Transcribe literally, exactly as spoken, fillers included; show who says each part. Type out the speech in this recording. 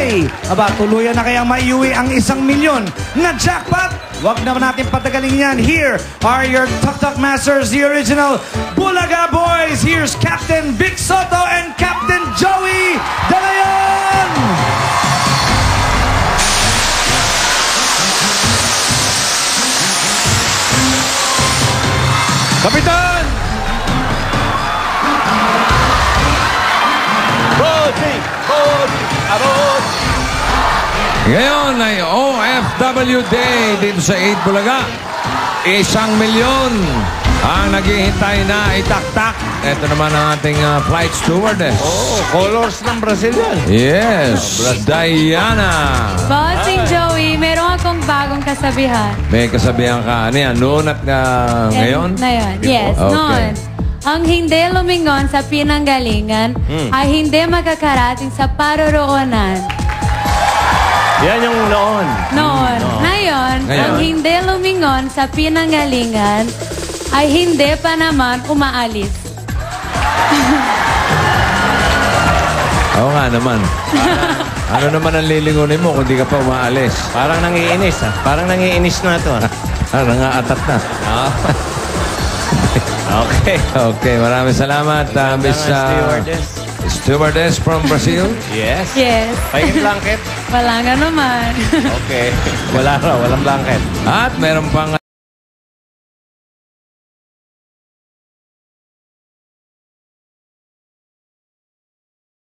Speaker 1: Day. Aba, tuluyan na kayang maiuwi ang isang milyon na jackpot. Huwag naman natin patagalin yan. Here are your Tuk Tuk Masters, the original Bulaga Boys. Here's Captain Vic Soto and Captain Joey De Leon.
Speaker 2: Kapitan! Rodi! Rodi! Arod!
Speaker 3: Ngayon ay O F W Day dito sa eight Bulaga. Isang milyon ang naghihintay na itaktak. Ito naman ang ating uh, flight stewardess.
Speaker 2: Oh, colors ng Brazil yan.
Speaker 3: Yes, Diana.
Speaker 4: Bossing Joey, meron akong bagong kasabihan.
Speaker 3: May kasabihan ka. Ano yan? Noon at uh, ngayon?
Speaker 4: Na yun. Yes,
Speaker 3: Okay.
Speaker 4: noon. Ang hindi lumingon sa pinanggalingan
Speaker 2: Hmm.
Speaker 4: ay hindi makakarating sa paroroonan.
Speaker 2: Yan yung noon.
Speaker 4: Noon. Ngayon,
Speaker 3: Ngayon.
Speaker 4: ang hindi lumingon sa pinanggalingan ay hindi pa naman umaalis.
Speaker 3: Oo nga naman. Ano naman ang lilingunin mo kung di ka pa umaalis?
Speaker 2: Parang nangiinis ah. Parang nangiinis na ito ah.
Speaker 3: Parang nga-atat na.
Speaker 2: Ah. Okay.
Speaker 3: Okay, maraming salamat, uh, Miss uh,
Speaker 2: Stewardess.
Speaker 3: Stewardess from Brazil.
Speaker 2: Yes.
Speaker 4: Yes.
Speaker 2: Pahingin blanket.
Speaker 4: Wala nga naman.
Speaker 2: Okay. Wala raw. Walang blanket.
Speaker 3: At meron pang